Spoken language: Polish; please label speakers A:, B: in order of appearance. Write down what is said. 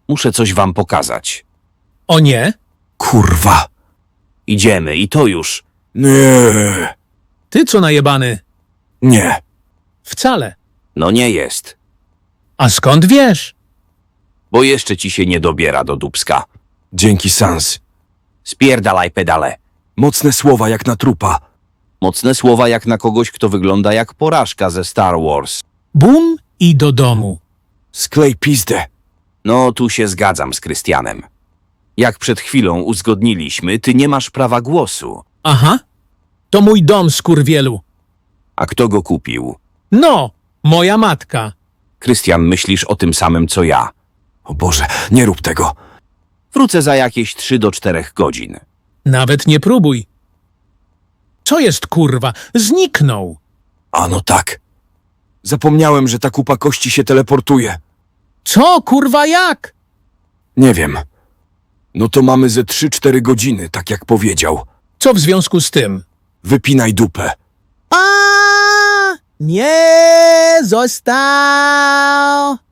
A: Muszę coś wam pokazać.
B: O nie?
C: Kurwa.
A: Idziemy i to już.
C: Nie.
B: Ty co najebany?
C: Nie.
B: Wcale.
A: No nie jest.
B: A skąd wiesz?
A: Bo jeszcze ci się nie dobiera do dupska.
C: Dzięki, Sans.
A: Spierdalaj pedale.
C: Mocne słowa jak na trupa.
A: Mocne słowa jak na kogoś, kto wygląda jak porażka ze Star Wars.
B: Bum i do domu.
C: Sklej pizdę.
A: No, tu się zgadzam z Krystianem. Jak przed chwilą uzgodniliśmy, ty nie masz prawa głosu.
B: Aha. To mój dom, skurwielu.
A: A kto go kupił?
B: No, moja matka.
A: Krystian, myślisz o tym samym, co ja.
C: O Boże, nie rób tego.
A: Wrócę za jakieś 3 do 4 godzin.
B: Nawet nie próbuj. Co jest, kurwa? Zniknął.
C: A no tak. Zapomniałem, że ta kupa kości się teleportuje.
B: Co, kurwa, jak?
C: Nie wiem. No to mamy ze 3-4 godziny, tak jak powiedział.
B: Co w związku z tym?
C: Wypinaj dupę.
B: A nie został.